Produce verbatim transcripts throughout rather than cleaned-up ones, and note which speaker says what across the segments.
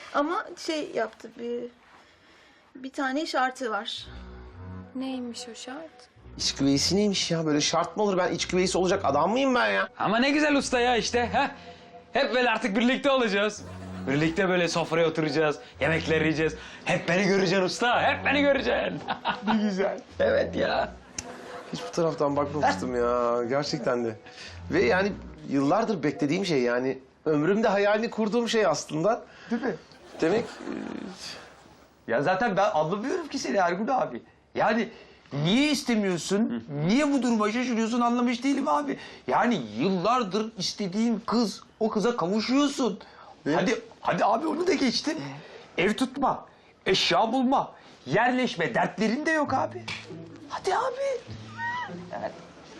Speaker 1: Ama şey yaptı, bir, bir tane şartı var.
Speaker 2: Neymiş o şart?
Speaker 3: İç güveysi neymiş ya? Böyle şart mı olur? Ben iç güveysi olacak adam mıyım ben ya?
Speaker 4: Ama ne güzel usta ya işte. Ha? Hep böyle artık birlikte olacağız. Birlikte böyle sofraya oturacağız, yemekler yiyeceğiz. Hep beni göreceksin usta, hep beni göreceksin.
Speaker 3: Ne güzel.
Speaker 4: Evet ya.
Speaker 3: Hiç bu taraftan bakmamıştım ya. Gerçekten de. Ve yani yıllardır beklediğim şey yani. Ömrümde hayalini kurduğum şey aslında.
Speaker 5: Değil mi?
Speaker 3: Demek
Speaker 5: Ya zaten ben anlamıyorum ki seni Ergun abi. Yani niye istemiyorsun, niye bu duruma şaşırıyorsun anlamış değilim abi. Yani yıllardır istediğin kız, o kıza kavuşuyorsun. Hadi, hadi abi onu da geçtim. Ev tutma, eşya bulma, yerleşme dertlerin de yok abi. Hadi abi. Yani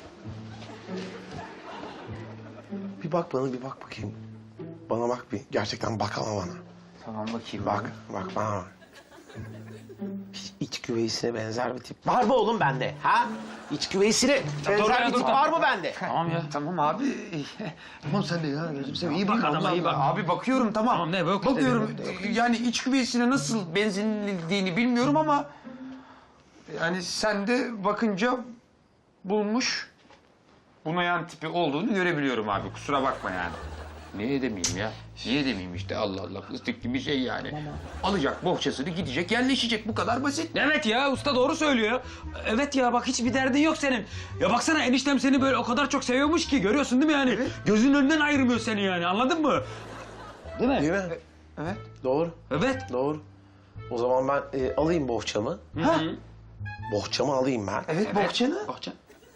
Speaker 3: bir bak bana, bir bak bakayım. Bana bak bir. Gerçekten bak ama bana.
Speaker 5: tamam bakayım.
Speaker 3: Bak, bak bana bak. Hiç iç güveysine benzer bir tip var mı oğlum bende? Ha? İç güveysine
Speaker 4: dur
Speaker 3: benzer
Speaker 4: ya,
Speaker 3: bir
Speaker 4: dur,
Speaker 3: tip
Speaker 4: dur.
Speaker 3: var mı bende?
Speaker 4: Tamam ya.
Speaker 5: Tamam abi. Tamam sen de ya gözüm seveyim. İyi bak
Speaker 4: adama,
Speaker 5: Allah
Speaker 4: iyi bak.
Speaker 5: Allah. Abi bakıyorum tamam.
Speaker 4: Tamam, ne, bak işte,
Speaker 5: Bakıyorum yani iç güveysine nasıl benzinildiğini bilmiyorum ama... Yani sen de bakınca bulmuş bunayan tipi olduğunu görebiliyorum abi. Kusura bakma yani. Niye demeyeyim ya? Niye demeyeyim işte Allah Allah fıstık gibi şey yani. Alacak bohçasını gidecek yerleşecek bu kadar basit.
Speaker 4: Evet ya usta doğru söylüyor. Evet ya bak hiçbir derdin yok senin. Ya baksana eniştem seni böyle o kadar çok seviyormuş ki görüyorsun değil mi yani? Gözünün önünden ayırmıyor seni yani anladın mı? Değil mi?
Speaker 3: Değil mi?
Speaker 5: Evet.
Speaker 3: Doğru,
Speaker 4: Evet.
Speaker 3: doğru. O zaman ben e, alayım bohçamı.
Speaker 5: Ha?
Speaker 3: Bohçamı alayım ben.
Speaker 5: Evet, bohçanı.
Speaker 4: Bahçe.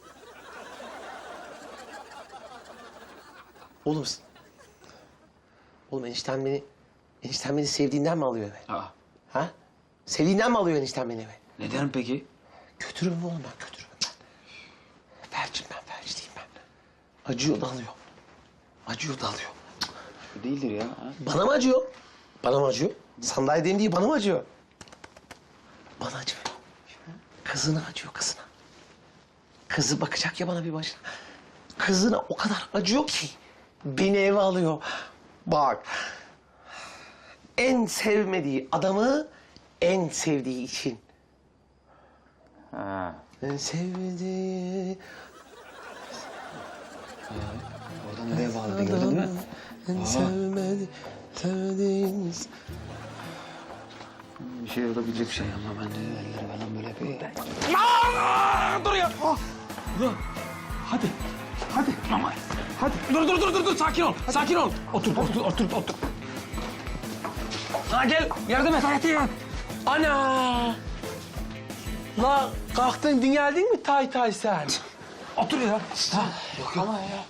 Speaker 3: Oğlum, s- oğlum enişten beni, enişten beni sevdiğinden mi alıyor eve?
Speaker 4: Aa,
Speaker 3: Ha? Sevdiğinden mi alıyor enişten beni eve?
Speaker 4: neden peki?
Speaker 3: Götürürüm oğlum ben, götürürüm ben. Felçim ben, felç değilim ben. Acıyor da alıyor. Acıyor da alıyor.
Speaker 4: Değildir ya.
Speaker 3: Bana mı acıyor? Bana mı acıyor? Sandalyedeyim diye bana mı acıyor? Bana acıyor. Kızına acıyor, kızına. Kızı bakacak ya bana bir başına. Kızına o kadar acıyor ki beni eve alıyor. Bak. En sevmediği adamı en sevdiği için.
Speaker 5: Ha.
Speaker 3: En sevdiği...
Speaker 4: Oradan nereye bağladı gördün mü?
Speaker 3: En sevmedi, sevdiğimiz...
Speaker 5: Bir şey olabilecek şey.
Speaker 4: Ama ben de elleri falan böyle bir... Aa, dur ya! Ah! Dur. Hadi. Hadi. Ama. Hadi. Dur dur dur dur dur sakin ol. Sakin ol. Otur otur otur otur. Ha gel yardım et Hayati.
Speaker 6: Ana! La kalktın dingeldin mi tay tay sen?
Speaker 4: Otur ya. Ha.
Speaker 6: Yok ama ya.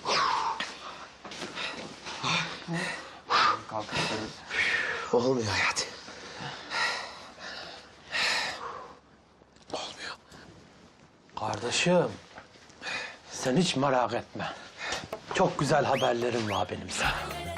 Speaker 3: Olmuyor Hayati. Olmuyor.
Speaker 6: Kardeşim, sen hiç merak etme. Çok güzel haberlerim var benim sana.